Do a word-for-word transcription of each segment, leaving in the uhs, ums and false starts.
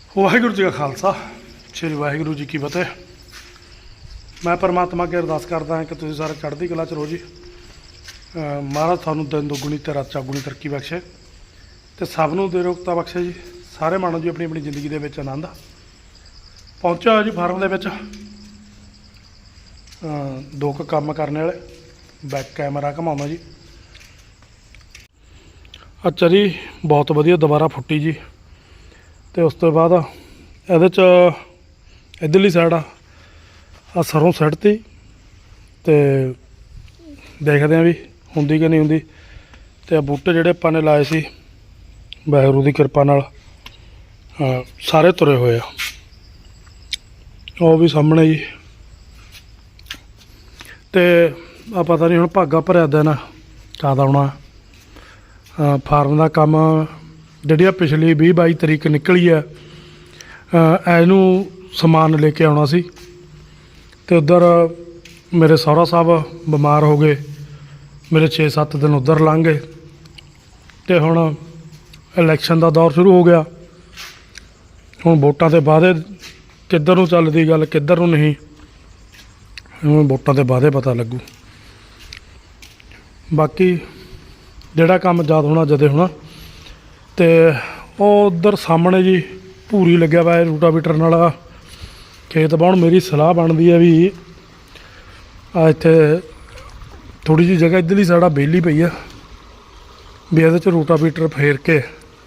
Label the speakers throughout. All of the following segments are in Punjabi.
Speaker 1: ਵਾਹਿਗੁਰੂ ਜੀ ਕਾ ਖਾਲਸਾ ਸ਼੍ਰੀ ਵਾਹਿਗੁਰੂ ਜੀ ਕੀ ਫਤਿਹ। ਮੈਂ ਪਰਮਾਤਮਾ ਅੱਗੇ ਅਰਦਾਸ ਕਰਦਾ ਹਾਂ ਕਿ ਤੁਸੀਂ ਸਾਰੇ ਚੜ੍ਹਦੀ ਕਲਾ 'ਚ ਰਹੋ ਜੀ। ਮਹਾਰਾਜ ਤੁਹਾਨੂੰ ਦਿਨ ਦੁੱਗਣੀ ਤੇ ਰਾਤ ਚੌਗੁਣੀ ਤਰੱਕੀ ਬਖਸ਼ੇ ਤੇ ਸਭ ਨੂੰ ਦੇ ਰੋਗਤਾ ਬਖਸ਼ੇ ਜੀ। ਸਾਰੇ ਮਾਣੋ ਜੀ ਆਪਣੀ ਆਪਣੀ ਜ਼ਿੰਦਗੀ ਦੇ ਵਿੱਚ ਆਨੰਦ। ਪਹੁੰਚਿਆ ਹੋਇਆ ਜੀ ਫਾਰਮ ਦੇ ਵਿੱਚ ਦੋ ਕੁ ਕੰਮ ਕਰਨੇ ਵਾਲੇ। ਬੈਕ ਕੈਮਰਾ ਘਮਾਉਣਾ ਜੀ। ਅੱਛਾ ਜੀ, ਬਹੁਤ ਵਧੀਆ ਦੁਬਾਰਾ ਫੁੱਟੀ ਜੀ। ਤੇ ਉਸ ਤੋਂ ਬਾਅਦ ਇਹਦੇ 'ਚ ਇੱਧਰਲੀ ਸਾਈਡ ਆ ਆ ਸਰੋਂ ਸਿੱਟਤੀ ਤੇ ਦੇਖਦੇ ਹਾਂ ਵੀ ਹੁੰਦੀ ਕਿ ਨਹੀਂ ਹੁੰਦੀ। ਤੇ ਆ ਬੂਟੇ ਜਿਹੜੇ ਆਪਾਂ ਨੇ ਲਾਏ ਸੀ ਵਾਹਿਗੁਰੂ ਦੀ ਕਿਰਪਾ ਨਾਲ ਸਾਰੇ ਤੁਰੇ ਹੋਏ ਆ। ਉਹ ਵੀ ਸਾਹਮਣੇ ਜੀ। ਤੇ ਆ ਪਤਾ ਨਹੀਂ ਹੁਣ ਭਾਗਾ ਭਰਿਆ ਦਿਨ ਕਦ ਆਉਣਾ। ਫਾਰਮ ਦਾ ਕੰਮ ਜਿਹੜੀ ਆ ਪਿਛਲੀ ਵੀਹ ਬਾਈ ਤਰੀਕ ਨਿਕਲੀ ਹੈ, ਇਹਨੂੰ ਸਮਾਨ ਲੈ ਕੇ ਆਉਣਾ ਸੀ ਤੇ ਉੱਧਰ ਮੇਰੇ ਸਹੁਰਾ ਸਾਹਿਬ ਬਿਮਾਰ ਹੋ ਗਏ। ਮੇਰੇ ਛੇ ਸੱਤ ਦਿਨ ਉੱਧਰ ਲੰਘ ਗਏ ਤੇ ਹੁਣ ਇਲੈਕਸ਼ਨ ਦਾ ਦੌਰ ਸ਼ੁਰੂ ਹੋ ਗਿਆ। ਹੁਣ ਵੋਟਾਂ ਦੇ ਵਾਅਦੇ ਕਿੱਧਰ ਨੂੰ ਚੱਲਦੀ ਗੱਲ, ਕਿੱਧਰ ਨੂੰ ਨਹੀਂ, ਹੁਣ ਵੋਟਾਂ ਦੇ ਵਾਅਦੇ ਪਤਾ ਲੱਗੂ। ਬਾਕੀ ਜਿਹੜਾ ਕੰਮ ਯਾਦ ਹੋਣਾ ਜਦੇ ਹੋਣਾ। ਤੇ ਉਹ ਉੱਧਰ ਸਾਹਮਣੇ ਜੀ ਭੂਰੀ ਲੱਗਿਆ ਵਾ ਰੂਟਾਵੀਟਰ ਨਾਲ ਖੇਤ ਬਾਉਣ। ਮੇਰੀ ਸਲਾਹ ਬਣਦੀ ਹੈ ਵੀ ਆ ਇੱਥੇ ਥੋੜ੍ਹੀ ਜਿਹੀ ਜਗ੍ਹਾ ਇੱਧਰਲੀ ਸਾਈਡ ਆ ਵਿਹਲੀ ਪਈ ਆ ਵੀ ਇਹਦੇ 'ਚ ਰੂਟਾਵੀਟਰ ਫੇਰ ਕੇ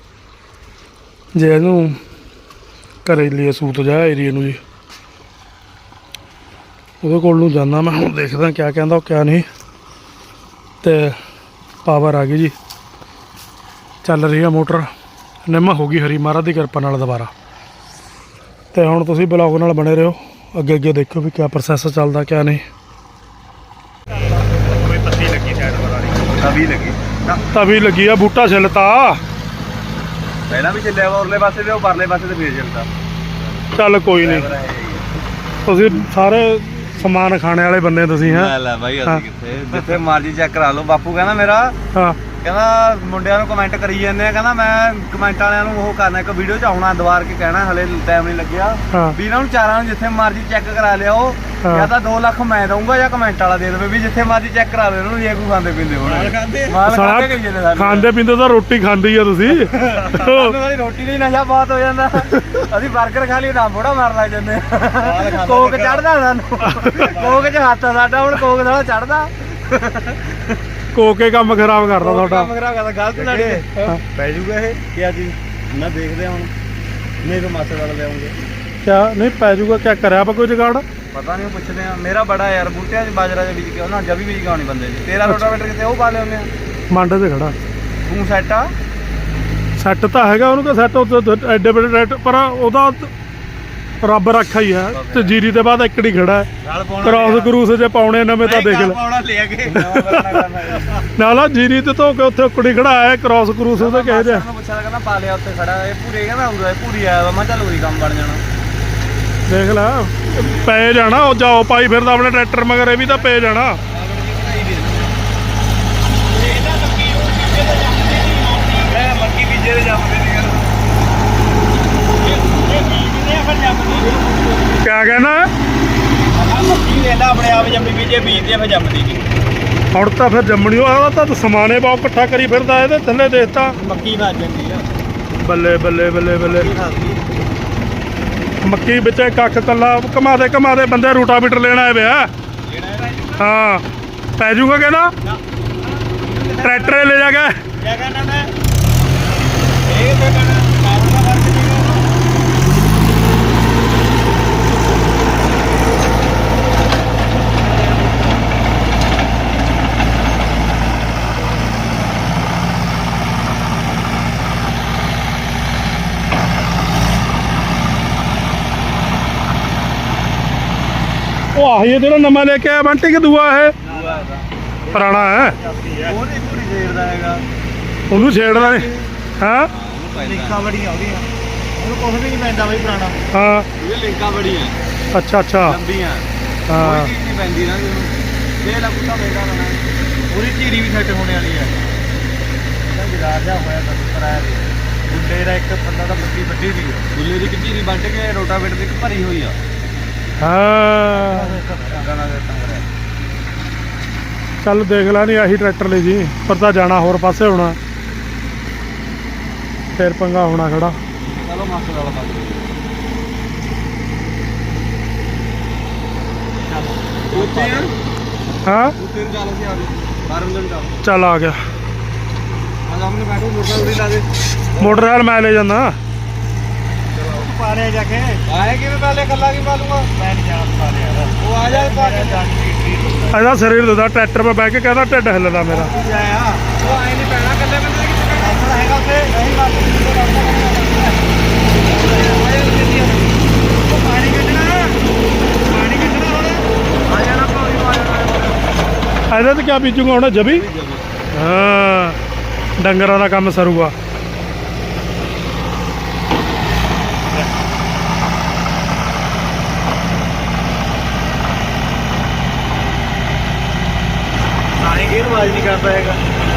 Speaker 1: ਜੇ ਇਹਨੂੰ ਘਰੇ ਲਈ ਸੂਤ ਜਾ ਏਰੀਏ ਨੂੰ ਜੀ ਉਹਦੇ ਕੋਲ ਨੂੰ ਜਾਂਦਾ ਮੈਂ। ਹੁਣ ਦੇਖਦਾ ਕਿਆ ਕਹਿੰਦਾ ਉਹ ਕਿਆ ਨਹੀਂ। ਤੇ ਪਾਵਰ ਆ ਗਈ ਜੀ, ਚੱਲ ਰਹੀ ਆ ਮੋਟਰ। ਨਿੰਮ ਹੋ ਗਈ ਹਰੀ ਮਹਾਰਾਜ ਦੀ ਕਿਰਪਾ ਨਾਲ ਦੁਬਾਰਾ। ਤੇ ਹੁਣ ਤੁਸੀਂ ਬਲੌਗ ਨਾਲ ਬਣੇ ਰਹੋ, ਅੱਗੇ ਅੱਗੇ ਦੇਖੋ ਵੀ ਕਿਆ ਪ੍ਰੋਸੈਸ ਚੱਲਦਾ ਕਿਆ ਨਹੀਂ।
Speaker 2: ਕੋਈ ਪੱਤੀ ਲੱਗੀ ਸਾਈਡ ਵਾਲੀ ਤਵੀ ਲੱਗੀ
Speaker 1: ਤਵੀ ਲੱਗੀ ਆ, ਬੂਟਾ ਛਿੱਲਤਾ
Speaker 2: ਪਹਿਲਾਂ ਵੀ ਚੱਲਿਆ ਵਾ ਉਰਲੇ ਪਾਸੇ ਤੇ ਉਹ ਪਰਲੇ ਪਾਸੇ ਤੇ ਫੇਰ ਚੱਲਦਾ।
Speaker 1: ਚੱਲ ਕੋਈ ਨਹੀਂ, ਤੁਸੀਂ ਸਾਰੇ ਸਮਾਨ ਖਾਣੇ ਵਾਲੇ ਬੰਦੇ ਤੁਸੀਂ ਹੈ
Speaker 2: ਲੈ ਬਾਈ ਅਸੀਂ ਕਿੱਥੇ ਜਿੱਥੇ ਮਰਜੀ ਚੈੱਕ ਕਰਾ ਲਓ। ਬਾਪੂ ਕਹਿੰਦਾ ਮੇਰਾ
Speaker 1: ਹਾਂ
Speaker 2: ਕਹਿੰਦਾ ਮੁੰਡਿਆਂ ਨੂੰ ਕਮੈਂਟ ਕਰੀ ਜਾਂਦੇ ਆ, ਕਹਿੰਦਾ ਮੈਂ ਕਮੈਂਟ ਵਾਲਿਆਂ ਨੂੰ ਉਹ ਕਰਨਾ ਇੱਕ ਵੀਡੀਓ ਚ ਆਉਣਾ ਦੁਬਾਰ ਕੇ ਕਹਿਣਾ ਹਲੇ ਟਾਈਮ ਨਹੀਂ ਲੱਗਿਆ ਵੀ ਇਹਨਾਂ ਨੂੰ ਚਾਰਾਂ ਨੂੰ ਜਿੱਥੇ ਮਰਜੀ ਚੈੱਕ ਕਰਾ ਲਿਆਓ। ਜਾਂ ਤਾਂ ਦੋ ਲੱਖ ਮੈਂ ਦਊਂਗਾ ਜਾਂ ਕਮੈਂਟ ਵਾਲਾ ਦੇ ਦੇਵੇ ਵੀ ਜਿੱਥੇ ਮਰਜੀ ਚੈੱਕ ਕਰਾ ਲਿਓ ਇਹਨਾਂ ਨੂੰ ਜੇ ਕੋਈ ਖਾਂਦੇ ਪੀਂਦੇ ਹੋਣ।
Speaker 1: ਸਾਲਾ ਖਾਂਦੇ ਪੀਂਦੇ ਤਾਂ ਰੋਟੀ ਖਾਂਦੀ ਆ ਤੁਸੀਂ।
Speaker 2: ਵਾਲੀ ਰੋਟੀ ਲਈ ਨਸ਼ਾ ਬਹੁਤ ਹੋ ਜਾਂਦਾ। ਅਸੀਂ ਬਰਗਰ ਖਾ ਲਈ ਨਾ ਬੋੜਾ ਮਾਰ ਲੱਗ ਜਾਂਦੇ। ਕੋਕ ਚੜਦਾ ਸਾਨੂੰ, ਕੋਕ ਚ ਹੱਥ ਆ ਸਾਡਾ ਹੁਣ, ਕੋਕ ਦਾ ਚੜਦਾ।
Speaker 1: ਕੋਕੇ ਕੰਮ ਖਰਾਬ ਕਰਦਾ ਤੁਹਾਡਾ।
Speaker 2: ਕੰਮ ਖਰਾਬ ਕਰਦਾ, ਗਲਤ ਲੜੇ ਪੈ ਜੂਗਾ ਇਹ ਕਿਆ ਚੀਜ਼ ਨਾ ਦੇਖਦੇ ਹੁਣ। ਨਹੀਂ ਤਾਂ ਮਾਸੇ ਵਾਲਾ ਲਿਆਉਂਗੇ
Speaker 1: ਕਿਆ ਨਹੀਂ ਪੈ ਜੂਗਾ। ਕਿਆ ਕਰਿਆ ਆਪਾਂ ਕੋਈ ਜੁਗਾੜ?
Speaker 2: ਪਤਾ ਨਹੀਂ, ਪੁੱਛਦੇ ਆ। ਮੇਰਾ ਬੜਾ ਯਾਰ ਬੂਟਿਆਂ 'ਚ ਬਾਜਰਾ ਦੇ ਬੀਜ ਕੇ ਉਹਨਾਂ ਜਵੀ ਬੀਜ ਕੇ ਆਉਣੀ ਬੰਦੇ ਦੀ। ਤੇਰਾ ਰੋਟਾਵੇਟਰ ਕਿਤੇ ਉਹ ਪਾ ਲਿਆਉਂਦੇ ਆ
Speaker 1: ਮੰਡ ਤੇ ਖੜਾ।
Speaker 2: ਤੂੰ ਸੈੱਟ ਆ
Speaker 1: ਸੈੱਟ ਤਾਂ ਹੈਗਾ ਉਹਨੂੰ ਤਾਂ ਸੈੱਟ ਐਡੇ ਬੜੇ ਰੈਟ, ਪਰ ਉਹਦਾ ਰੱਬ ਰੱਖਾ ਹੀ ਹੈ। ਤੇ ਜੀਰੀ ਦੇ ਬਾਅਦ ਇੱਕ ਹੀ ਖੜਾ ਹੈ। ਕ੍ਰਾਸ ਕਰੂਸ ਜੇ ਪਾਉਣੇ ਨਵੇਂ ਤਾਂ ਦੇਖ ਲੈ ਨਾਲ ਜੀਰੀ ਤੇ ਧੋ ਕੇ ਉੱਥੇ ਕੁੜੀ ਖੜਾ ਹੈ। ਕ੍ਰਾਸ ਕਰੂਸ ਉਹਦੇ ਕਹੇ ਜਿਹਾ
Speaker 2: ਪੁੱਛਿਆ ਕਹਿੰਦਾ ਪਾ ਲਿਆ ਉੱਥੇ ਖੜਾ। ਇਹ ਪੂਰੇ ਕਹਿੰਦਾ ਉਰੇ ਪੂਰੀ ਆਇਆ ਵਾ। ਮੈਂ ਚੱਲ ਉਰੀ ਕੰਮ ਬਣ ਜਾਣਾ।
Speaker 1: ਦੇਖ ਲੈ ਪੈ ਜਾਣਾ। ਉਹ ਜਾਓ ਪਾਈ ਫਿਰਦਾ ਆਪਣੇ ਟਰੈਕਟਰ ਮਗਰ, ਇਹ ਵੀ ਤਾਂ ਪੈ ਜਾਣਾ।
Speaker 2: ਮੱਕੀ ਬੀਜੇ ਦੇ ਜੰਮਦੇ ਨਹੀਂ
Speaker 1: ਕਿਆ ਕਹਿਣਾ?
Speaker 2: ਮੱਕੀ ਵੇਖਦਾ ਆਪਣੇ ਆਪ ਜੰਮੀ ਬੀਜੇ ਬੀਜਦੇ ਫਿਰ ਜੰਮਦੀ ਨਹੀਂ।
Speaker 1: ਹੁਣ ਤਾਂ ਫਿਰ ਜੰਮਣੀ ਉਹ ਤਾਂ ਸਮਾਨੇ ਬਹੁਤ ਇਕੱਠਾ ਕਰੀ ਫਿਰਦਾ ਇਹਦੇ ਥੱਲੇ। ਦੇਖਤਾ
Speaker 2: ਮੱਕੀ ਵੱਜ ਜਾਂਦੀ ਆ।
Speaker 1: ਬੱਲੇ ਬੱਲੇ ਬੱਲੇ ਬੱਲੇ। ਮੱਕੀ ਵਿੱਚ ਕੱਖ ਕੱਲਾ ਘਮਾ ਦੇ ਘਮਾ ਦੇ ਬੰਦੇ ਰੂਟਾਵੀਟਰ ਲੈਣ ਆਏ ਪਿਆ। ਹਾਂ ਪੈ ਜੂਗਾ ਕਹਿੰਦਾ ਟਰੈਕਟਰ ਲੈ ਜਾ ਕੇ।
Speaker 2: ਕਿਆ ਕਹਿਣਾ ਮੈਂ ਇਹ ਤਾਂ ਕਹਿਣਾ ਕਾਬਲ ਦਾ ਫਰਕ ਨਹੀਂ।
Speaker 1: ਉਹ ਆਹੀ ਜਿਹੜਾ ਨਵਾਂ ਲੈ ਕੇ ਆਇਆ ਬੰਟੀ ਕਿ ਦੂਆ ਇਹ ਪੁਰਾਣਾ ਹੈ?
Speaker 2: ਉਹਦੀ ਪੂਰੀ ਛੇੜਦਾ ਹੈਗਾ,
Speaker 1: ਉਹਨੂੰ ਛੇੜਦਾ ਨਹੀਂ। ਹਾਂ
Speaker 2: ਲਿੰਕਾਂ ਬੜੀਆਂ ਉਹਦੀਆਂ, ਉਹਨੂੰ ਕੁਝ ਵੀ ਨਹੀਂ ਪੈਂਦਾ ਬਈ ਪੁਰਾਣਾ।
Speaker 1: ਹਾਂ
Speaker 2: ਉਹਦੇ ਲਿੰਕਾਂ ਬੜੀਆਂ
Speaker 1: ਅੱਛਾ ਅੱਛਾ
Speaker 2: ਲੰਬੀਆਂ।
Speaker 1: ਹਾਂ
Speaker 2: ਕੋਈ ਚੀਜ਼ ਨਹੀਂ ਪੈਂਦੀ ਨਾ ਉਹਨੂੰ। ਦੇ ਲਾ ਕੁੱਤਾ ਮੇਗਾ ਲੈਣਾ ਉਹਦੀ ਝੀਰੀ ਵੀ ਸੈੱਟ ਹੋਣੇ ਵਾਲੀ ਹੈ। ਇਹਦਾ ਜਗਾਰ ਜਾ ਹੋਇਆ ਤਾਂ ਕਰਾਇਆ ਗੁੱਲੇ ਦਾ ਇੱਕ ਬੰਦਾ ਤਾਂ ਪੱਤੀ ਵੱਢੀ ਦੀ ਗੁੱਲੇ ਦੀ ਕਿੱਜੀ ਨਹੀਂ ਵੱਢ ਕੇ ਰੋਟਾਵੇਟਰ ਦੀ ਇੱਕ ਭਰੀ ਹੋਈ ਆ
Speaker 1: ਹਾਂ
Speaker 2: ਗਾਣਾ ਦੇ ਤੰਗਰੇ
Speaker 1: ਚੱਲ ਦੇਖ ਲੈ ਨਹੀਂ ਆਹੀ ਟਰੈਕਟਰ ਲੈ ਜੀ ਪਰ ਤਾਂ ਜਾਣਾ ਹੋਰ ਪਾਸੇ ਹੋਣਾ ਫਿਰ ਪੰਗਾ ਹੋਣਾ ਖੜਾ
Speaker 2: ਚਲੋ ਮਾਸਟਰ ਵਾਲਾ ਬਾਤ ਉੱਤੇ ਆ
Speaker 1: ਹਾਂ
Speaker 2: ਉੱਤੇ ਚੱਲ ਅਸੀਂ ਆ ਗਏ ਬਾਰਨ ਦਿਨ ਚੱਲ
Speaker 1: ਚੱਲ ਆ ਗਿਆ
Speaker 2: ਆ ਸਾਹਮਣੇ ਬੈਠੋ ਮੋਟਰ ਉੜੀ ਲਾ ਦੇ
Speaker 1: ਮੋਟਰਸਾਈਕਲ ਮੈਂ ਲੈ ਜਾਂਦਾ
Speaker 2: ਪਾਣੇ ਜਾ ਕੇ ਆਏ ਕਿਵੇਂ ਪਹਿਲੇ ਕੱਲਾ ਕੀ ਪਾਲੂਗਾ ਮੈਂ ਨਹੀਂ ਜਾਣਾ ਪਾਣੇ ਯਾਰ ਉਹ ਆ ਜਾ ਪਾ ਕੇ
Speaker 1: ਇਹਦਾ ਸਰੀਰ ਦੁਦਾ ਟਰੈਕਟਰ 'ਤੇ ਬਹਿ ਕੇ ਕਹਿੰਦਾ ਢਿੱਡ ਹਿੱਲਦਾ ਮੇਰਾ
Speaker 2: ਆਇਆ ਉਹ ਆਏ ਨਹੀਂ ਪੈਣਾ ਕੱਲੇ ਬੰਦੇ ਕਿੱਥੇ ਪੈਣਾ ਹੈਗਾ ਉੱਥੇ ਨਹੀਂ ਬਾਤ ਉਹ ਪਾਣੀ ਕੱਢਣਾ ਪਾਣੀ ਕੱਢਣਾ ਹੁਣ ਆ ਜਾਣਾ ਪੌੜੀ ਮਾਰਨਾ
Speaker 1: ਇਹਦੇ 'ਤੇ ਕਿਆ ਬੀਜੂਗਾ ਹੁਣ ਜਬੀ ਹਾਂ ਡੰਗਰਾਂ ਦਾ ਕੰਮ ਸਰੂਗਾ
Speaker 2: ਨਾਲੇ ਗੇਰ ਆਵਾਜ਼ ਨਹੀਂ ਕਰਦਾ ਹੈਗਾ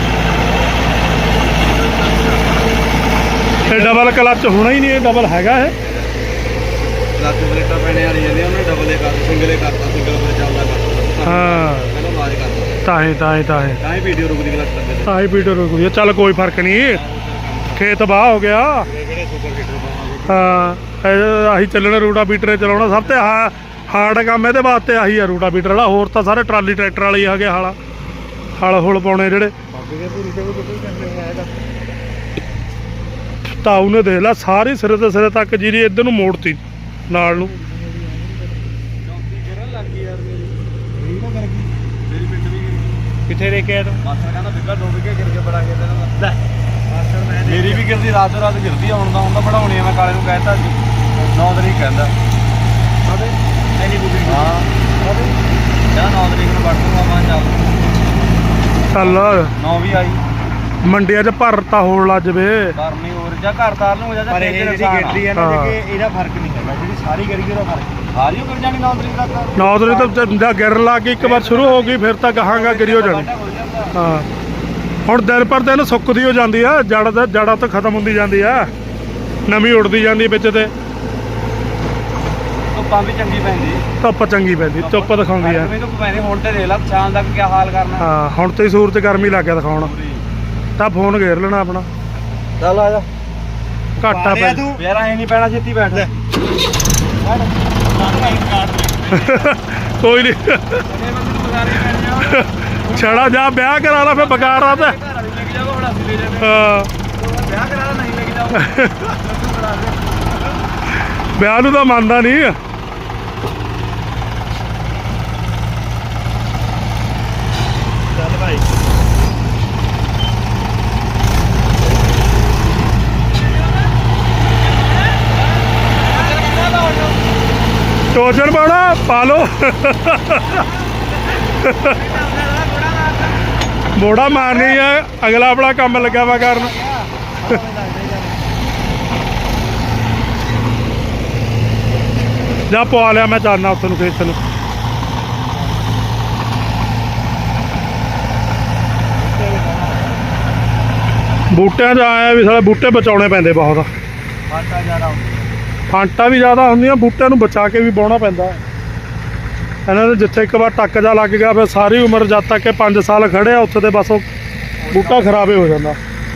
Speaker 1: ਇਹ ਡਬਲ ਕਲੱਚ ਹੋਣਾ ਹੀ ਨਹੀਂ ਇਹ ਡਬਲ ਹੈਗਾ ਇਹ
Speaker 2: ਲੱਤ ਬਲੇਟਾਂ ਪੈਣੇ ਵਾਲੀ ਜਾਂਦੇ ਉਹਨੇ ਡਬਲ ਏ ਕਰਤਾ ਸਿੰਗਲ ਏ ਕਰਤਾ ਸਿੰਗਲ ਪਰ ਚੱਲਦਾ ਕਰਤਾ
Speaker 1: ਹਾਂ
Speaker 2: ਪਹਿਲਾਂ ਆਵਾਜ਼ ਕਰਦਾ
Speaker 1: ਤਾਂ ਹੀ ਤਾਂ ਹੀ ਤਾਂ ਹੀ
Speaker 2: ਤਾਂ ਹੀ ਵੀਡੀਓ ਰੁਕਦੀ ਕਲੱਚ ਕਰਦੇ
Speaker 1: ਤਾਂ ਹੀ ਵੀਡੀਓ ਰੁਕ ਗਈ ਚੱਲ ਕੋਈ ਫਰਕ ਨਹੀਂ ਖੇਤ ਬਾਹ ਹੋ ਗਿਆ
Speaker 2: ਕਿਹੜੇ ਸੁਪਰ ਹੀਟਰ ਪਾਵਾਂਗੇ
Speaker 1: ਹਾਂ ਇਹ ਆਹੀ ਚੱਲਣਾ ਰੂਟਾ ਬੀਟਰੇ ਚਲਾਉਣਾ ਸਭ ਤੋਂ ਹਾ ਹਾਰਡ ਕੰਮ ਇਹਦੇ ਵਾਸਤੇ ਆਹੀ ਆ ਰੂਟਾ ਬੀਟਰ ਵਾਲਾ ਹੋਰ ਤਾਂ ਸਾਰੇ ਟਰਾਲੀ ਟਰੈਕਟਰ ਵਾਲੇ ਹੀ ਆ ਗਏ ਹਾਲਾ ਹਲ ਹੁਲ ਪਾਉਣੇ ਜਿਹੜੇ ਤਾਂ ਉਹਨੇ ਦੇਖ ਲਾ ਸਾਰੀ ਸਿਰੇ ਤੋਂ ਸਿਰੇ ਤੱਕ ਜਿਹੜੀ ਇੱਧਰ ਨੂੰ ਮੋੜਤੀ ਨਾਲ ਨੂੰ
Speaker 2: ਕਿੱਥੇ ਦੇ ਕੇ ਤੂੰ ਮਾਸਟਰ ਕਹਿੰਦਾ ਬਿੱਗਾ ਦੋ ਵਿਗੇ ਗਿਰ ਕੇ ਬੜਾ ਗਿਆ ਤੈਨੂੰ ਲੈ ਮਾਸਟਰ ਮੈਂ ਮੇਰੀ ਵੀ ਗਿਰਦੀ ਰਾਤੋਂ ਰਾਤ ਗਿਰਦੀ ਆ ਹੁਣ ਦਾ ਹੁਣ ਦਾ ਬਣਾਉਣੀ ਆ ਮੈਂ ਕਾਲੇ ਨੂੰ ਕਹਿਤਾ ਸੀ ਨੌ ਤਰੀਕ ਕਹਿੰਦਾ ਆਦੇ ਐਨੀ ਬੁਕਿੰਗ ਹਾਂ ਆਦੇ ਜਾਂ ਨੌ ਤਰੀਕ ਨੂੰ ਵੜ ਦੂੰਗਾ ਮੈਂ ਚੱਲ
Speaker 1: ਚੱਲ
Speaker 2: ਨੌ ਵੀ ਆਈ
Speaker 1: ਮੰਡੀਆਂ 'ਚ ਭਰਤਾ ਹੋਣ ਲੱਜ ਵੇ
Speaker 2: ਕਰਨੀ ਹੋਰ ਜਾਂ ਘਰ ਤਾਰ ਨੂੰ ਹੋ ਜਾ ਪਰ ਇਹ ਜਿਹੜੀ ਗਿਰਦੀ ਆ ਨਾ ਕਿ ਇਹਦਾ ਫਰਕ ਨਹੀਂ ਹੈਗਾ ਜਿਹੜੀ ਸਾਰੀ ਗਿਰ ਗਈ ਉਹਦਾ ਫਰਕ ਸਾਰੀ ਗਿਰ ਜਾਣੀ ਨੌ ਤਰੀਕ ਤੱਕ
Speaker 1: ਨੌ ਤਰੀਕ ਤੋਂ ਜਾਂ ਗਿਰਨ ਲੱਗ ਗਈ ਇੱਕ ਵਾਰ ਸ਼ੁਰੂ ਹੋ ਗਈ ਫਿਰ ਤਾਂ ਕਹਾਂਗਾ ਗਿਰੀ ਹੋ ਜਾਣੀ ਹਾਂ ਹੁਣ ਦਿਨ ਪਰ ਦਿਨ ਸੁੱਕਦੀ ਹੋ ਜਾਂਦੀ ਆ ਜੜ ਦਾ ਜੜਾਂ ਤੋਂ ਖਤਮ ਹੁੰਦੀ ਜਾਂਦੀ ਆ ਨਵੀਂ ਉੱਡਦੀ ਜਾਂਦੀ ਵਿੱਚ ਤੇ
Speaker 2: ਧੁੱਪਾਂ ਵੀ ਚੰਗੀ ਪੈਂਦੀ
Speaker 1: ਧੁੱਪ ਚੰਗੀ ਪੈਂਦੀ ਧੁੱਪ ਦਿਖਾਉਂਦੀ ਆ
Speaker 2: ਧੁੱਪ ਪੈਂਦੀ ਹੁਣ ਤੇ ਦੇਖ ਲਾ ਸ਼ਾਮ ਤੱਕ ਕੀ ਹਾਲ ਕਰਨਾ
Speaker 1: ਹਾਂ ਹੁਣ ਤੇ ਸੂਰਜ ਗਰਮੀ ਲੱਗ ਗਿਆ ਦਿਖਾਉਣ ਤਾਂ ਫੋਨ ਘੇਰ ਲੈਣਾ ਆਪਣਾ
Speaker 2: ਚੱਲ ਆ ਜਾ
Speaker 1: ਘਾਟਾ ਪੈ
Speaker 2: ਯਾਰ ਐ ਨਹੀਂ ਪੈਣਾ ਛੇਤੀ ਬੈਠ ਲੈ
Speaker 1: ਕੋਈ ਨਹੀਂ ਛੜਾ ਜਾ ਵਿਆਹ ਕਰਾ ਲਾ ਫਿਰ ਬਗਾੜਾ ਤੇ ਹਾਂ
Speaker 2: ਵਿਆਹ ਕਰਾ ਲਾ ਨਹੀਂ ਲੈ ਕੇ ਜਾਓ
Speaker 1: ਵਿਆਹ ਨੂੰ ਤਾਂ ਮੰਨਦਾ ਨਹੀਂ
Speaker 2: ਚੱਲ ਭਾਈ
Speaker 1: ਟੋਚਨ ਪਾਉਣਾ ਪਾ ਲੋ ਮੋੜਾ ਮਾਰਨੀ ਆ ਅਗਲਾ ਆਪਣਾ ਕੰਮ ਲੱਗਾ ਵਾ ਕਰਨ ਜਾ ਪਵਾ ਲਿਆ ਮੈਂ ਚਾਹਨਾ ਉੱਥੇ ਨੂੰ ਖੇਤ ਨੂੰ ਬੂਟਿਆਂ 'ਚ ਆਇਆ ਵੀ ਸਾਲੇ ਬੂਟੇ ਬਚਾਉਣੇ ਪੈਂਦੇ ਬਹੁਤ
Speaker 2: ਫਾਟਾ ਜ਼ਿਆਦਾ
Speaker 1: ਫਾਂਟਾਂ ਵੀ ਜ਼ਿਆਦਾ ਹੁੰਦੀਆਂ ਬੂਟਿਆਂ ਨੂੰ ਬਚਾ ਕੇ ਵੀ ਵਾਹੁਣਾ ਪੈਂਦਾ ਇਹਨਾਂ ਦੇ ਜਿੱਥੇ ਇੱਕ ਵਾਰ ਟੱਕ ਜਾ ਲੱਗ ਗਿਆ ਫਿਰ ਸਾਰੀ ਉਮਰ ਜਦ ਤੱਕ ਇਹ ਪੰਜ ਸਾਲ ਖੜਿਆ ਉੱਥੇ ਤੇ ਬਸ ਉਹ ਬੂਟਾ ਖਰਾਬ ਹੀ ਹੋ ਜਾਂਦਾ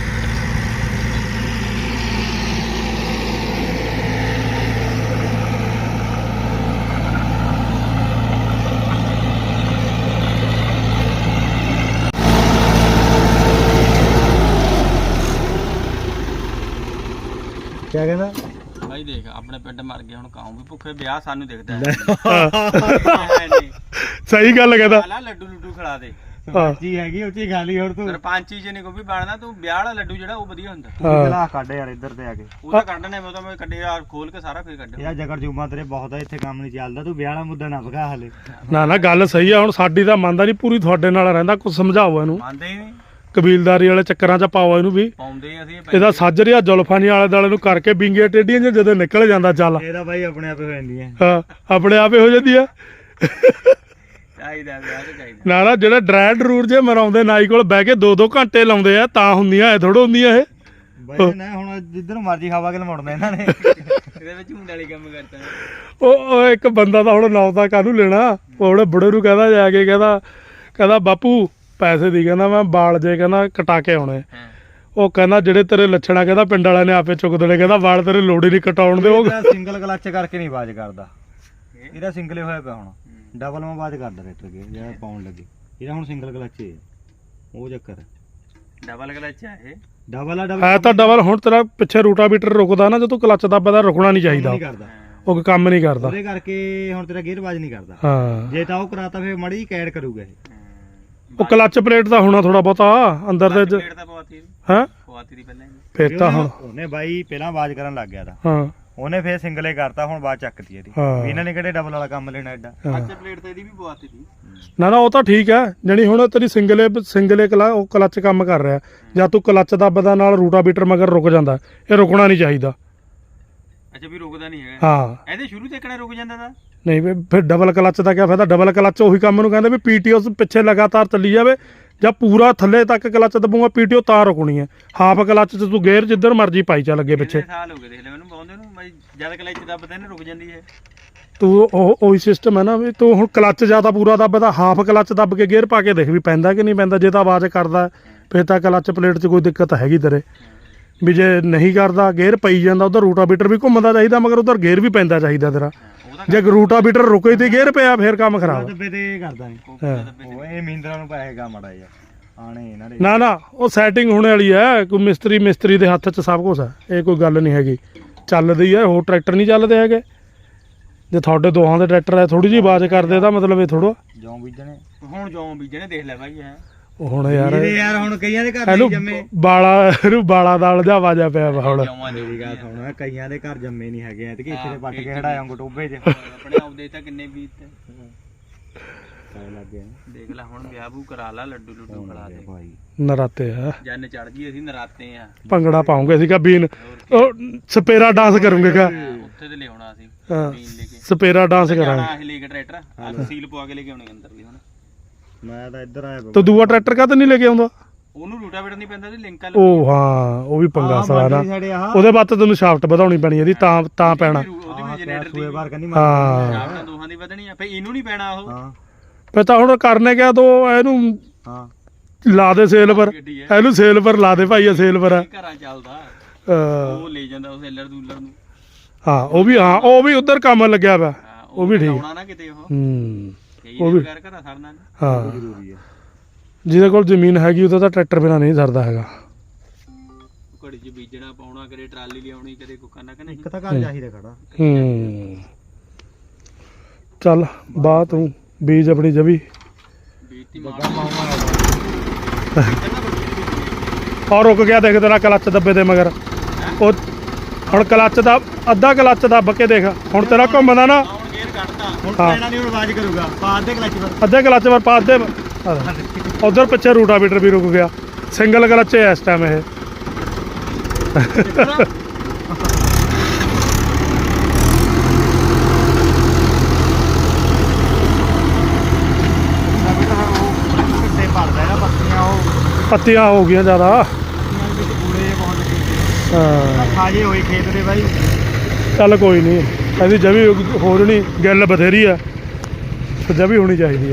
Speaker 2: ਕਿਆ ਕਹਿੰਦਾ
Speaker 3: ਭਾਈ ਦੇਖ ਆਪਣੇ ਪਿੰਡ ਮਰ ਗਏ ਹੁਣ ਕਾਉਂ ਵੀ ਭੁੱਖੇ ਵਿਆਹ ਸਾਨੂੰ ਦਿਖਦਾ ਹੈ
Speaker 1: ਸਹੀ ਗੱਲ ਕਹਿੰਦਾ
Speaker 3: ਲਾ ਲੱਡੂ ਲੁੱਡੂ ਖਿਲਾ ਦੇ
Speaker 2: ਜੀ ਹੈਗੀ ਉੱਚੀ ਖਾਲੀ ਹੋਰ ਤੂੰ
Speaker 3: ਸਰਪੰਚੀ ਚ ਨਹੀਂ ਕੋਈ ਵੀ ਬਣਨਾ ਤੂੰ ਵਿਆਹ ਵਾਲਾ ਲੱਡੂ ਜਿਹੜਾ ਉਹ ਵਧੀਆ ਹੁੰਦਾ
Speaker 2: ਤੂੰ ਗਲਾਸ ਕੱਢ ਯਾਰ ਇੱਧਰ ਤੇ ਆ ਕੇ
Speaker 3: ਉਹ ਤਾਂ ਕੱਢਣੇ ਮੈਂ ਤਾਂ ਮੈਂ ਕੱਢੇ ਯਾਰ ਖੋਲ ਕੇ ਸਾਰਾ ਫੇਰ ਕੱਢਿਆ
Speaker 2: ਯਾਰ ਜਗਰ ਜੂਮਾ ਤੇਰੇ ਬਹੁਤ ਆ ਇੱਥੇ ਕੰਮ ਨਹੀਂ ਚੱਲਦਾ ਤੂੰ ਵਿਆਹ ਵਾਲਾ ਮੁੱਦਾ ਨਾ ਭਗਾ ਹਲੇ
Speaker 1: ਨਾ ਨਾ ਗੱਲ ਸਹੀ ਆ ਹੁਣ ਸਾਡੀ ਤਾਂ ਮੰਨਦਾ ਨਹੀਂ ਪੂਰੀ ਤੁਹਾਡੇ ਨਾਲ ਰਹਿੰਦਾ ਕੁਝ ਸਮਝਾਓ ਇਹਨੂੰ
Speaker 3: ਮੰਨਦੇ ਹੀ ਨਹੀਂ
Speaker 1: ਕਬੀਲਦਾਰੀ ਵਾਲੇ ਚੱਕਰਾਂ 'ਚ ਪਾਓ ਇਹਨੂੰ ਵੀ
Speaker 3: ਪਾਉਂਦੇ ਅਸੀਂ
Speaker 1: ਇਹਦਾ ਸੱਜ ਰਿਹਾ ਜ਼ੁਲਫਾਂ ਨਹੀਂ ਆਲੇ ਦੁਆਲੇ ਨੂੰ ਕਰਕੇ ਬਿੰਗੀਆਂ ਟੇਡੀਆਂ ਜਿਹੀਆਂ ਜਦੋਂ ਨਿਕਲ ਜਾਂਦਾ ਚੱਲ
Speaker 2: ਇਹਦਾ ਬਾਈ ਆਪਣੇ ਆਪੇ ਹੋ ਜਾਂਦੀ ਹੈ
Speaker 1: ਹਾਂ ਆਪਣੇ ਆਪੇ ਹੋ ਜਾਂਦੀ ਆ
Speaker 3: ਚਾਹੀਦਾ ਵਿਆਹ ਤੇ ਚਾਹੀਦਾ
Speaker 1: ਨਾ ਨਾ ਜਿਹੜਾ ਡਰਾਈ ਡਰੂਰ ਜੇ ਮਰਾਉਂਦੇ ਨਾਈ ਕੋਲ ਬਹਿ ਕੇ ਦੋ ਦੋ ਘੰਟੇ ਲਾਉਂਦੇ ਆ ਤਾਂ ਹੁੰਦੀਆਂ ਐ ਥੋੜੋ ਹੁੰਦੀਆਂ ਇਹ
Speaker 2: ਬਾਈ ਨਾ ਹੁਣ ਜਿੱਧਰ ਮਰਜੀ ਹਵਾ ਕੇ ਲਮੜਨਾ ਇਹਨਾਂ ਨੇ
Speaker 3: ਇਹਦੇ ਵਿੱਚ ਮੁੰਡੇ ਵਾਲੀ ਕੰਮ ਕਰਦਾ
Speaker 1: ਉਹ ਉਹ ਇੱਕ ਬੰਦਾ ਤਾਂ ਹੁਣ ਨੌ ਤਾਂ ਕਾਹਨੂੰ ਲੈਣਾ ਉਹ ਉਹਨੇ ਬੁੜੇ ਨੂੰ ਕਹਿੰਦਾ ਜਾ ਕੇ ਕਹਿੰਦਾ ਕਹਿੰਦਾ ਬਾਪੂ ਪੈਸੇ ਦੀ ਕਹਿੰਦਾ ਮੈਂ ਬਾਲ ਜੇ ਕਹਿੰਦਾ ਕਟਾ ਕੇ ਆਉਣੇ ਉਹ ਕਹਿੰਦਾ ਜਿਹੜੇ ਤੇਰੇ ਲੱਛਣਾ ਕਹਿੰਦਾ ਪਿੰਡ ਵਾਲਿਆਂ ਨੇ ਆਪੇ ਚੁੱਕ ਦੇਣੇ ਕਹਿੰਦਾ ਵਾਲ ਤੇਰੇ ਲੋੜ ਹੀ ਨਹੀਂ ਕਟਾਉਣ ਦੇ ਉਹ
Speaker 2: ਸਿੰਗਲ ਕਲੱਚ ਕਰਕੇ ਨਹੀਂ ਆਵਾਜ਼ ਕਰਦਾ ਇਹਦਾ ਸਿੰਗਲੇ ਹੋਇਆ ਪਿਆ ਹੁਣ ਡਬਲ ਮੈਂ ਆਵਾਜ਼ ਕਰਦਾ ਟਰੈਕਟਰ ਕੇ ਜਿਹੜਾ ਪਾਉਣ ਲੱਗੇ ਇਹਦਾ ਹੁਣ ਸਿੰਗਲ ਕਲੱਚ ਹੈ ਉਹ ਚੱਕਰ
Speaker 3: ਡਬਲ ਕਲਚ ਆ ਇਹ
Speaker 2: ਡਬਲ ਆ ਡਬਲ
Speaker 1: ਹੈ ਤਾਂ ਡਬਲ ਹੁਣ ਤੇਰਾ ਪਿੱਛੇ ਰੂਟਾਵੀਟਰ ਰੁਕਦਾ ਨਾ ਜਦੋਂ ਕਲੱਚ ਦੱਬਦਾ ਰੁਕਣਾ ਨਹੀਂ ਚਾਹੀਦਾ
Speaker 2: ਨਹੀਂ ਕਰਦਾ
Speaker 1: ਉਹ ਕੰਮ ਨਹੀਂ ਕਰਦਾ
Speaker 2: ਉਹਦੇ ਕਰਕੇ ਹੁਣ ਤੇਰਾ ਗੇਅਰ ਆਵਾਜ਼ ਨਹੀਂ ਕਰਦਾ
Speaker 1: ਹਾਂ
Speaker 2: ਜੇ ਤਾਂ ਉਹ ਕਰਾਤਾ ਫਿਰ ਮੜੀ ਕੈਡ ਕਰੂਗਾ ਇਹ
Speaker 1: ਉਹ ਕਲੱਚ ਪਲੇਟ ਦਾ ਹੋਣਾ ਥੋੜਾ ਬਹੁਤਾ ਅੰਦਰ ਦੇ
Speaker 3: ਪਲੇਟ ਤਾਂ ਪਵਾਤੀ
Speaker 1: ਹਾਂ
Speaker 3: ਪਵਾਤੀ ਦੀ ਪਹਿਲਾਂ ਹੀ
Speaker 1: ਫੇਰ ਤਾਂ ਹੁਣ
Speaker 2: ਉਹਨੇ ਬਾਈ ਪਹਿਲਾਂ ਆਵਾਜ਼ ਕਰਨ ਲੱਗ ਗਿਆ ਤਾਂ
Speaker 1: ਹਾਂ
Speaker 2: ਉਹਨੇ ਫੇਰ ਸਿੰਗਲੇ ਕਰਤਾ ਹੁਣ ਬਾਅਦ ਚੱਕਤੀ ਇਹਦੀ
Speaker 1: ਹਾਂ।
Speaker 2: ਇਹਨਾਂ ਨੇ ਕਿਹੜੇ ਡਬਲ ਵਾਲਾ ਕੰਮ ਲੈਣਾ ਐਡਾ
Speaker 3: ਅੱਛਾ ਪਲੇਟ ਤਾਂ ਇਹਦੀ ਵੀ ਪਵਾਤੀ ਸੀ
Speaker 1: ਨਾ ਨਾ ਉਹ ਤਾਂ ਠੀਕ ਹੈ ਜਣੀ ਹੁਣ ਤੇਰੀ ਸਿੰਗਲੇ ਸਿੰਗਲੇ ਕਲਾ ਉਹ ਕਲੱਚ ਕੰਮ ਕਰ ਰਿਹਾ ਜਾਂ ਤੂੰ ਕਲੱਚ ਦੱਬਦਾ ਨਾਲ ਰੂਟਾਵੀਟਰ ਮਗਰ ਰੁਕ ਜਾਂਦਾ ਇਹ ਰੁਕਣਾ ਨਹੀਂ ਚਾਹੀਦਾ
Speaker 3: ਅੱਛਾ ਵੀ ਰੁਕਦਾ ਨਹੀਂ ਹੈਗਾ
Speaker 1: ਹਾਂ
Speaker 3: ਇਹਦੇ ਸ਼ੁਰੂ ਤੇ ਕਿਹੜਾ ਰੁਕ ਜਾਂਦਾ ਤਾਂ
Speaker 1: ਨਹੀਂ ਵੀ ਫਿਰ ਡਬਲ ਕਲੱਚ ਦਾ ਕੀ ਫਾਇਦਾ ਡਬਲ ਕਲੱਚ ਉਹੀ ਕੰਮ ਨੂੰ ਕਹਿੰਦੇ ਵੀ ਪੀਟੀਓ ਪਿੱਛੇ ਲਗਾਤਾਰ ਚੱਲੀ ਜਾਵੇ ਜਾਂ ਪੂਰਾ ਥੱਲੇ ਤੱਕ ਕਲੱਚ ਦਬੂਗਾ ਪੀਟੀਓ ਤਾਂ ਰੁਕਣੀ ਹੈ ਹਾਫ ਕਲੱਚ 'ਚ ਤੂੰ ਗੇਅਰ ਜਿੱਧਰ ਮਰਜੀ ਪਾਈ ਚੱਲ ਅੱਗੇ ਪਿੱਛੇ
Speaker 3: ਕਿੰਨੇ ਸਾਲ ਹੋ ਗਏ ਦੇਖ ਲੈ ਮੈਨੂੰ ਪਾਉਂਦੇ ਨੂੰ ਮੈਂ ਜਦ ਕਲਚ ਦੱਬਦੇ ਨੇ ਰੁਕ ਜਾਂਦੀ ਹੈ
Speaker 1: ਤੂੰ ਉਹ ਉਹੀ ਸਿਸਟਮ ਹੈ ਨਾ ਵੀ ਤੂੰ ਹੁਣ ਕਲੱਚ ਜ਼ਿਆਦਾ ਪੂਰਾ ਦੱਬਦਾ ਹਾਫ ਕਲੱਚ ਦੱਬ ਕੇ ਗੇਅਰ ਪਾ ਕੇ ਦੇਖ ਵੀ ਪੈਂਦਾ ਕਿ ਨਹੀਂ ਪੈਂਦਾ ਜੇ ਤਾਂ ਆਵਾਜ਼ ਕਰਦਾ ਫਿਰ ਤਾਂ ਕਲੱਚ ਪਲੇਟ 'ਚ ਕੋਈ ਦਿੱਕਤ ਹੈਗੀ ਤੇਰੇ ਵੀ ਜੇ ਨਹੀਂ ਕਰਦਾ ਗੇਅਰ ਪਈ ਜਾਂਦਾ ਉਧਰ ਰੂਟਾਵੀਟਰ ਵੀ ਘੁੰਮਦਾ ਚਾਹੀਦਾ ਮਗਰ ਉਧਰ ਗੇਅਰ ਵੀ ਪੈਂਦਾ ਚਾਹੀਦਾ ਤੇਰਾ ਜੇ ਰੂਟਾਵੀਟਰ ਰੁਕੇ ਤੇ ਗੇਅਰ ਪਿਆ ਫਿਰ ਕੰਮ ਖਰਾਬ
Speaker 2: ਦੱਬੇ ਤੇ ਕਰਦਾ ਨਹੀਂ ਉਹ ਇਹ ਮਹਿੰਦਰਾ ਨੂੰ ਪਾਏਗਾ ਮਾੜਾ ਜਿਹਾ ਆਣੇ ਇਹਨਾਂ ਦੇ
Speaker 1: ਨਾ ਨਾ ਉਹ ਸੈਟਿੰਗ ਹੋਣੇ ਵਾਲੀ ਹੈ ਕੋਈ ਮਿਸਤਰੀ ਮਿਸਤਰੀ ਦੇ ਹੱਥ 'ਚ ਸਭ ਕੁਝ ਹੈ ਇਹ ਕੋਈ ਗੱਲ ਨਹੀਂ ਹੈਗੀ ਚੱਲਦੀ ਹੈ ਹੋਰ ਟਰੈਕਟਰ ਨਹੀਂ ਚੱਲਦੇ ਹੈਗੇ ਜੇ ਤੁਹਾਡੇ ਦੋਹਾਂ ਦੇ ਟਰੈਕਟਰ ਹੈ ਥੋੜੀ ਜਿਹੀ ਆਵਾਜ਼ ਕਰਦੇ ਤਾਂ ਮਤਲਬ ਇਹ ਥੋੜਾ
Speaker 2: ਜੌਂ ਬੀਜਣੇ
Speaker 3: ਹੁਣ ਜੌਂ ਬੀਜਣੇ ਦੇਖ ਲੈ ਬਾਈ ਹੈ
Speaker 1: ਉਹ ਹੁਣ ਯਾਰ
Speaker 2: ਇਹਦੇ ਯਾਰ ਹੁਣ ਕਈਆਂ ਦੇ ਘਰ
Speaker 1: ਇਹਨੂੰ
Speaker 2: ਨਹੀਂ ਜੰਮੇ
Speaker 1: ਬਾਲਾ ਇਹਨੂੰ ਬਾਲਾ ਦਾਲ ਦਾ ਆਵਾਜ਼ਾ ਪਿਆ ਵਾ ਹੁਣ
Speaker 3: ਜੌਂਾਂ ਦੇ
Speaker 2: ਮੇਰੀ ਗੱਲ ਸੁਣ ਕਈਆਂ ਦੇ ਘਰ ਜੰਮੇ ਨਹੀਂ ਹੈਗੇ ਐ ਤੇ ਇੱਥੇ ਦੇ ਪੱਟ ਕੇ ਖੜਾਇਆ ਗਟੋਬੇ 'ਚ
Speaker 3: ਆਪਣੇ ਆਪਦੇ ਤਾਂ ਕਿੰਨੇ ਬੀਤ ਤੇ
Speaker 2: ਕਾਇ ਲੱਗ ਗਿਆ
Speaker 3: ਦੇਖ ਲੈ ਹੁਣ ਵਿਆਹ ਬੂ ਕਰਾ ਲਾ ਲੱਡੂ ਲੱਡੂ ਖੜਾ ਦੇ
Speaker 2: ਭਾਈ
Speaker 1: ਨਰਾਤੇ ਆ
Speaker 3: ਜੰਨ ਚੜ ਗਈ ਅਸੀਂ ਨਰਾਤੇ ਆ
Speaker 1: ਭੰਗੜਾ ਪਾਉਂਗੇ ਸੀਗਾ ਬੀਨ ਉਹ ਸਪੇਰਾ ਡਾਂਸ ਕਰੂੰਗੇ ਕਾ
Speaker 3: ਉੱਥੇ ਤੇ ਲਿਆਉਣਾ ਅਸੀਂ
Speaker 1: ਹਾਂ
Speaker 3: ਬੀਨ ਲੈ ਕੇ
Speaker 1: ਸਪੇਰਾ ਡਾਂਸ ਕਰਾਂਗੇ
Speaker 3: ਜਾਣਾ ਅਸੀਂ ਲੈ ਕੇ ਟਰੈਕਟਰ ਅੱਜ ਸੀਲ ਪਵਾ ਕੇ ਲੈ ਕੇ ਆਉਣੇ ਅੰਦਰ ਵੀ ਹੁਣ
Speaker 2: ਮੈਂ ਤਾਂ ਇੱਧਰ ਆਇਆ
Speaker 1: ਤੇ ਦੂਆ ਟਰੈਕਟਰ ਕਾ ਨਹੀਂ ਲੈ ਕੇ ਆਉਂਦਾ
Speaker 3: ਉਹਨੂੰ ਰੂਟਾਵੇਟਰ ਨਹੀਂ ਪੈਂਦਾ ਤੇ ਲਿੰਕ ਆ
Speaker 1: ਉਹ ਹਾਂ ਉਹ ਵੀ ਪੰਗਾ ਸਾਲਾ ਨਾ
Speaker 2: ਸਾਡੇ ਆਹ
Speaker 1: ਉਹਦੇ ਬਾਅਦ ਤੈਨੂੰ ਸ਼ਾਫਟ ਵਧਾਉਣੀ ਪੈਣੀ ਇਹਦੀ ਤਾਂ ਤਾਂ ਪੈਣਾ
Speaker 3: ਉਹਦੀ ਵੀ ਜਨਰੇਟਰ ਦੀ
Speaker 2: ਸੂਏ ਵਾਰ ਕਹਿੰਦੀ
Speaker 1: ਹਾਂ
Speaker 3: ਸ਼ਾਫਟਾਂ ਦੋਹਾਂ ਦੀ ਵਧਣੀ ਆ ਫੇ ਇਹਨੂੰ ਨਹੀਂ ਪੈਣਾ ਉਹ
Speaker 2: ਹਾਂ
Speaker 1: ਫਿਰ ਤਾਂ ਹੁਣ ਕਰਨੇ ਗਿਆ ਤੋ ਇਹਨੂੰ
Speaker 2: ਹਾਂ
Speaker 1: ਲਾ ਦੇ ਸੇਲ ਪਰ
Speaker 3: ਗੱਡੀ ਹੈ
Speaker 1: ਇਹਨੂੰ ਸੇਲ ਪਰ ਲਾ ਦੇ ਭਾਈ ਇਹ ਸੇਲ ਪਰ ਆ
Speaker 3: ਇਹ ਘਰਾਂ ਚੱਲਦਾ
Speaker 1: ਅਹ
Speaker 3: ਉਹ ਲੈ ਜਾਂਦਾ ਉਹ ਸੇਲਰ ਦੂਲਰ ਨੂੰ
Speaker 1: ਹਾਂ ਉਹ ਵੀ ਹਾਂ ਉਹ ਵੀ ਉਧਰ ਕੰਮ ਲੱਗਿਆ ਵਾ
Speaker 3: ਹਾਂ,
Speaker 1: ਉਹ ਵੀ ਠੀਕ
Speaker 3: ਲਾਉਣਾ ਨਾ ਕਿਤੇ ਉਹ
Speaker 1: ਹੂੰ
Speaker 3: ਕਈ
Speaker 1: ਉਹ ਵੀ-
Speaker 3: ਘਰ ਘਰਾਂ ਸਰਨਾ ਨੀ।
Speaker 1: ਹਾਂ
Speaker 2: ਜ਼ਰੂਰੀ ਹੈ
Speaker 1: ਜਿਹਦੇ ਕੋਲ ਜ਼ਮੀਨ ਹੈਗੀ ਉਹਦਾ ਤਾਂ ਟਰੈਕਟਰ ਬਿਨਾ ਨਹੀਂ ਸਰਦਾ ਹੈਗਾ
Speaker 3: ਘੜੀ 'ਚ ਬੀਜਣਾ ਪਾਉਣਾ ਕਦੇ ਟਰਾਲੀ ਲਿਆਉਣੀ ਕਦੇ ਕੋ ਕਰਨਾ ਕਿ ਨਹੀਂ
Speaker 2: ਇੱਕ ਤਾਂ ਘਰ ਚਾਹੀਦਾ ਖੜਾ
Speaker 1: ਹੂੰ ਚੱਲ ਬਾਹ ਤੂੰ ਬੀਜ ਆਪਣੀ ਜਵੀ
Speaker 3: ਬੀਜਤੀ ਮਾਰ
Speaker 1: ਔਰ ਰੁਕ ਗਿਆ ਦੇਖ ਤੇਰਾ ਕਲੱਚ ਦੱਬੇ ਦੇ ਮਗਰ ਉਹ ਹੁਣ ਕਲੱਚ ਦਾ ਅੱਧਾ ਕਲੱਚ ਦੱਬ ਕੇ ਦੇਖ ਹੁਣ ਤੇਰਾ ਘੁੰਮਦਾ ਨਾ
Speaker 3: ਹੁਣ ਗੇਅਰ ਕੱਢਤਾ
Speaker 2: ਹੁਣ
Speaker 1: ਹਾਂ।
Speaker 2: ਪੈਣਾ ਨਹੀਂ ਹੁਣ ਆਵਾਜ਼ ਕਰੂਗਾ ਪਾ ਦੇ ਕਲੱਚ ਪਰ
Speaker 1: ਅੱਧੇ ਕਲੱਚ ਪਰ ਪਾ ਦੇ ਉਧਰ ਪਿੱਛੇ ਰੂਟਾਵੀਟਰ ਵੀ ਰੁਕ ਗਿਆ ਸਿੰਗਲ ਕਲੱਚ ਹੈ ਇਸ ਟਾਈਮ ਇਹ
Speaker 2: ਕਿੱਥੇ ਭਰਦਾ ਇਹਦਾ ਪੱਤੀਆਂ ਉਹ
Speaker 1: ਪੱਤੀਆਂ ਹੋ ਗਈਆਂ ਜ਼ਿਆਦਾ
Speaker 2: ਪੱਤੀਆਂ ਵਿੱਚ ਕੂੜੇ ਜਿਹੇ ਪਹੁੰਚ ਗਏ
Speaker 1: ਹਾਂ
Speaker 2: ਖਾਜੇ ਹੋਏ ਖੇਤ ਦੇ ਬਾਈ
Speaker 1: ਚੱਲ ਕੋਈ ਨਹੀਂ ਇਹਦੀ ਜਵੀ ਹੋ ਜਣੀ ਗੱਲ ਬਥੇਰੀ ਆ ਤੇ ਜਵੀ ਹੋਣੀ ਚਾਹੀਦੀ ਆ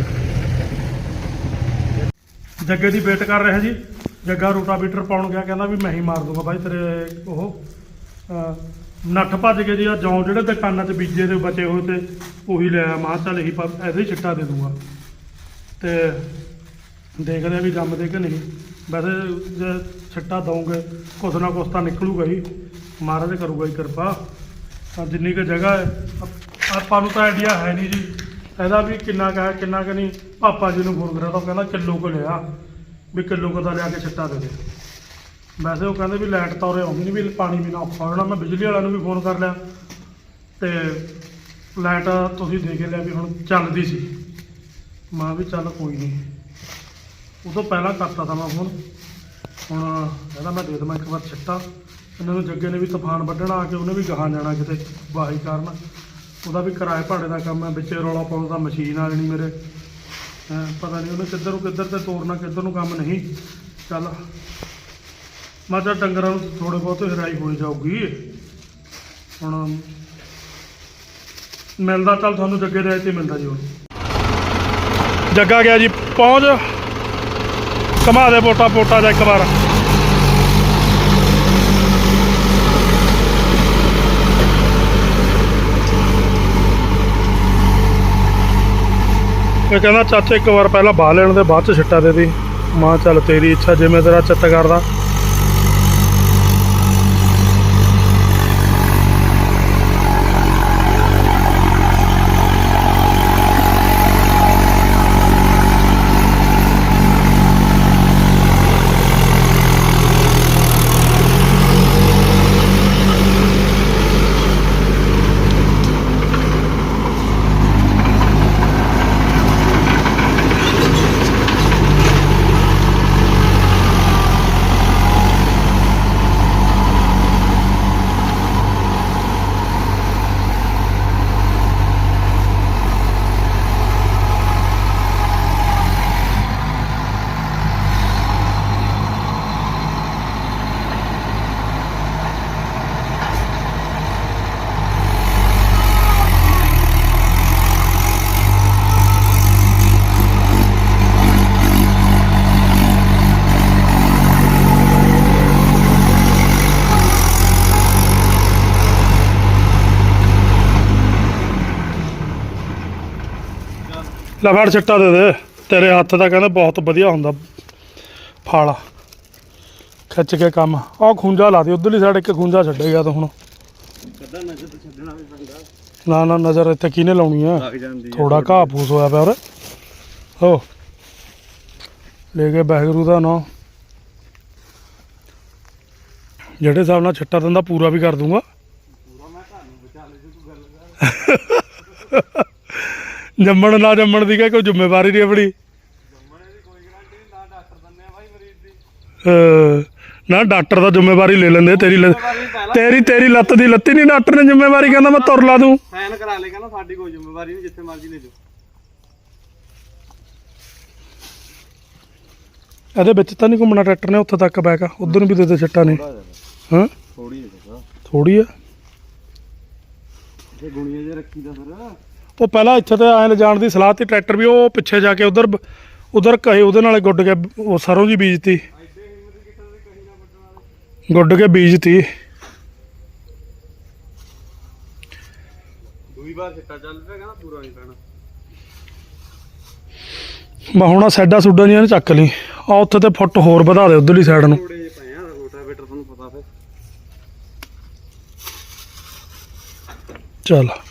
Speaker 1: ਜੱਗੇ ਦੀ ਵੇਟ ਕਰ ਰਿਹਾ ਜੀ ਜੱਗਾ ਰੂਟਾਵੀਟਰ ਪਾਉਣ ਗਿਆ ਕਹਿੰਦਾ ਵੀ ਮੈਂ ਹੀ ਮਾਰ ਦੂੰਗਾ ਬਾਈ ਤੇਰੇ ਉਹ ਅਹ, ਨੱਠ ਭੱਜ ਕੇ ਜੀ ਆ ਜੌਂ ਜਿਹੜੇ ਦੁਕਾਨਾਂ 'ਚ ਬੀਜੇ ਦੇ ਬਚੇ ਹੋਏ ਤੇ ਉਹੀ ਲਿਆ ਮਾਂ ਚੱਲ ਇਹੀ ਪਾ- ਇਹਦੇ ਹੀ ਛਿੱਟਾ ਦੇ ਦੂੰਗਾ ਤੇ ਦੇਖਦੇ ਆ ਵੀ ਜੰਮਦੇ ਕਿ ਨਹੀਂ ਵੈਸੇ ਜੇ ਛਿੱਟਾ ਦਊਂਗੇ ਕੁਛ ਨਾ ਕੁਛ ਤਾਂ ਨਿਕਲੂਗਾ ਹੀ ਮਹਾਰਾਜ ਕਰੂਗਾ ਹੀ ਕਿਰਪਾ ਤਾਂ ਜਿੰਨੀ ਕੁ ਜਗ੍ਹਾ ਹੈ ਆਪ- ਆਪਾਂ ਨੂੰ ਤਾਂ ਆਈਡੀਆ ਹੈ ਨਹੀਂ ਜੀ ਇਹਦਾ ਵੀ ਕਿੰਨਾ ਕੁ ਹੈ ਕਿੰਨਾ ਕੁ ਨਹੀਂ ਪਾਪਾ ਜੀ ਨੂੰ ਫੋਨ ਕਰਿਆ ਤਾਂ ਉਹ ਕਹਿੰਦਾ ਕਿਲੋ ਕੁ ਲਿਆ ਵੀ ਕਿਲੋ ਕੁ ਦਾ ਲਿਆ ਕੇ ਛਿੱਟਾ ਦੇ ਦੇ ਵੈਸੇ ਉਹ ਕਹਿੰਦੇ ਵੀ ਲਾਈਟ ਤਾਂ ਉਰੇ ਆਉਂਦੀ ਨਹੀਂ ਵੀ ਪਾਣੀ ਵੀ ਨਾ ਔਖਾ ਹੋ ਜਾਣਾ ਮੈਂ ਬਿਜਲੀ ਵਾਲਿਆਂ ਨੂੰ ਵੀ ਫੋਨ ਕਰ ਲਿਆ ਤੇ ਲਾਈਟ ਤੁਸੀਂ ਦੇ ਕੇ ਲਿਆ ਵੀ ਹੁਣ ਚੱਲਦੀ ਸੀ ਮੈਂ ਵੀ ਚੱਲ ਕੋਈ ਨਹੀਂ ਉਹ ਤੋਂ ਪਹਿਲਾਂ ਕਰਤਾ ਤਾਂ ਮੈਂ ਫੋਨ ਹੁਣ ਕਹਿੰਦਾ ਮੈਂ ਦੇ ਦੇਵਾਂ ਇੱਕ ਵਾਰ ਛਿੱਟਾ ਇਹਨਾਂ ਨੂੰ ਜੱਗੇ ਨੇ ਵੀ ਤੂਫਾਨ ਵੱਢਣਾ ਆ ਕੇ ਉਹਨੇ ਵੀ ਗਾਹਾਂ ਜਾਣਾ ਕਿਤੇ ਵਾਹੀ ਕਾਰਨ ਉਹਦਾ ਵੀ ਕਿਰਾਏ ਭਾੜੇ ਦਾ ਕੰਮ ਹੈ ਵਿੱਚੇ ਰੌਲਾ ਪਾਉਣ ਦਾ ਮਸ਼ੀਨ ਆ ਜਣੀ ਮੇਰੇ ਹੈਂ, ਪਤਾ ਨਹੀਂ ਉਹਨੇ ਕਿੱਧਰ ਨੂੰ ਕਿੱਧਰ ਤੇ ਤੋਰਨਾ ਕਿੱਧਰ ਨੂੰ ਕੰਮ ਨਹੀਂ ਚੱਲ ਮੈਂ ਤਾਂ ਡੰਗਰਾਂ ਨੂੰ ਥੋੜੇ ਬਹੁਤ ਹਰਾਈ ਹੋਈ ਜਾਊਗੀ ਹੁਣ ਮਿਲਦਾ ਚੱਲ ਤੁਹਾਨੂੰ ਜੱਗੇ ਦੇ ਤੇ ਮਿਲਦਾ ਜੀ ਹੁਣ ਜੱਗਾ ਗਿਆ ਜੀ ਪਹੁੰਚ ਘੁਮਾ ਦੇ ਪੋਟਾ ਪੋਟਾ ਜਾ ਇੱਕ ਵਾਰ ਇਹ ਕਹਿੰਦਾ ਚਾਚਾ ਇੱਕ ਵਾਰ ਪਹਿਲਾਂ ਬਾਹ ਲੈਣ ਦੇ ਬਾਅਦ ਚ ਛਿੱਟਾ ਦੇ ਦੀ ਮਾਂ ਚੱਲ ਤੇਰੀ ਇੱਛਾ ਜਿਵੇਂ ਤੇਰਾ ਚਿੱਤ ਕਰਦਾ ਲੈ ਫੜ ਛਿੱਟਾ ਦੇ ਦੇ ਤੇਰੇ ਹੱਥ ਦਾ ਕਹਿੰਦਾ ਬਹੁਤ ਵਧੀਆ ਹੁੰਦਾ ਫਲ ਖਿੱਚ ਕੇ ਕੰਮ ਆਹ ਖੂੰਜਾ ਲਾ ਦੇ ਉਧਰਲੀ ਸਾਈਡ ਇੱਕ ਖੂੰਜਾ ਛੱਡੇਗਾ ਤਾਂ ਹੁਣ
Speaker 2: ਕੱਦਾ ਨਜ਼ਰ ਤੇ ਛੱਡਣਾ ਵੀ ਪੈਂਦਾ
Speaker 1: ਨਾ ਨਾ ਨਜ਼ਰ ਇੱਥੇ ਕਿਹਨੇ ਲਾਉਣੀ ਆ
Speaker 2: ਲੱਗ ਜਾਂਦੀ
Speaker 1: ਥੋੜਾ ਘਾਹ ਫੂਸ ਹੋਇਆ ਪਿਆ ਉਰੇ ਹੋ ਲੈ ਕੇ ਵਾਹਿਗੁਰੂ ਦਾ ਨਾਂ ਜਿਹੜੇ ਹਿਸਾਬ ਨਾਲ ਛਿੱਟਾ ਦਿੰਦਾ ਪੂਰਾ ਵੀ ਕਰ ਦੂੰਗਾ
Speaker 2: ਪੂਰਾ ਮੈਂ ਤੁਹਾਨੂੰ ਬਚਾ ਲੈ ਜੇ ਤੂੰ ਗੱਲ ਕਰ
Speaker 1: ਜੰਮਣ ਨਾ ਜੰਮਣ ਦੀ ਕਿਆ ਕੋਈ ਜ਼ਿੰਮੇਵਾਰੀ ਨਹੀਂ ਆਪਣੀ
Speaker 2: ਜੰਮਣੇ ਦੀ ਕੋਈ ਗਾਰੰਟੀ ਨਹੀਂ ਨਾ ਡਾਕਟਰ ਦਿੰਦੇ ਆ ਭਾਈ ਮਰੀਜ਼ ਦੀ
Speaker 1: ਅਹ ਨਾ ਡਾਕਟਰ ਦਾ ਜ਼ਿੰਮੇਵਾਰੀ ਲੈ ਲੈਂਦੇ ਤੇਰੀ ਲ- ਤੇਰੀ ਤੇਰੀ ਲੱਤ ਦੀ ਲੱਤੀ ਨਹੀਂ ਡਾਕਟਰ ਨੇ ਜ਼ਿੰਮੇਵਾਰੀ ਕਹਿੰਦਾ ਮੈਂ ਤੁਰ ਲਾ ਦੂੰ
Speaker 2: ਸਾਈਨ ਕਰਾ ਲੈ ਕਹਿੰਦਾ ਸਾਡੀ ਕੋਈ ਜ਼ਿੰਮੇਵਾਰੀ ਨਹੀਂ ਜਿੱਥੇ ਮਰਜ਼ੀ ਲੈ ਜਾਓ
Speaker 1: ਇਹਦੇ ਵਿੱਚ ਤਾਂ ਨਹੀਂ ਘੁੰਮਣਾ ਟਰੈਕਟਰ ਨੇ ਉੱਥੇ ਤੱਕ ਬੈਕ ਉਧਰ ਨੂੰ ਵੀ ਦੇ ਦੇ ਛੱਟਾ ਨੇ ਹਾਂ
Speaker 2: ਥੋੜੀ ਹੈ
Speaker 1: ਥੋੜੀ ਆ
Speaker 2: ਇਹ ਗੁਣੀਆਂ ਜੇ ਰੱਖੀ ਦਾ ਫਿਰ
Speaker 1: ਉਹ ਪਹਿਲਾਂ ਇੱਥੇ ਤੇ ਐਂ ਲਿਜਾਣ ਦੀ ਸਲਾਹ ਤੀ ਟਰੈਕਟਰ ਵੀ ਉਹ ਪਿੱਛੇ ਜਾ ਕੇ ਉਧਰ ਉਧਰ ਕਹੇ ਉਹਦੇ ਨਾਲ ਗੁੱਡ ਕੇ ਉਹ ਸਰੋਂ ਜੀ ਬੀਜਤੀ ਗੁੱਡ ਕੇ ਬੀਜਤੀ
Speaker 2: ਦੂਈ ਵਾਰ ਛਿੱਟਾ ਚੱਲ ਪਿਆ ਕਹਿੰਦਾ ਪੂਰਾ ਨਹੀਂ ਪੈਣਾ
Speaker 1: ਮੈਂ ਹੁਣ ਸਾਡਾ ਸੁੱਡਾ ਨਹੀਂ ਇਹਨੇ ਚੱਕ ਲਈ ਆ ਉੱਥੇ ਤੇ ਫੁੱਟ ਹੋਰ ਵਧਾ ਦੇ ਉਧਰਲੀ ਸਾਈਡ ਨੂੰ
Speaker 2: ਥੋੜੇ ਜਿਹੇ ਪਏ ਆ ਰੋਟਾਵੇਟਰ ਤੁਹਾਨੂੰ ਪਤਾ ਫਿਰ
Speaker 1: ਚੱਲ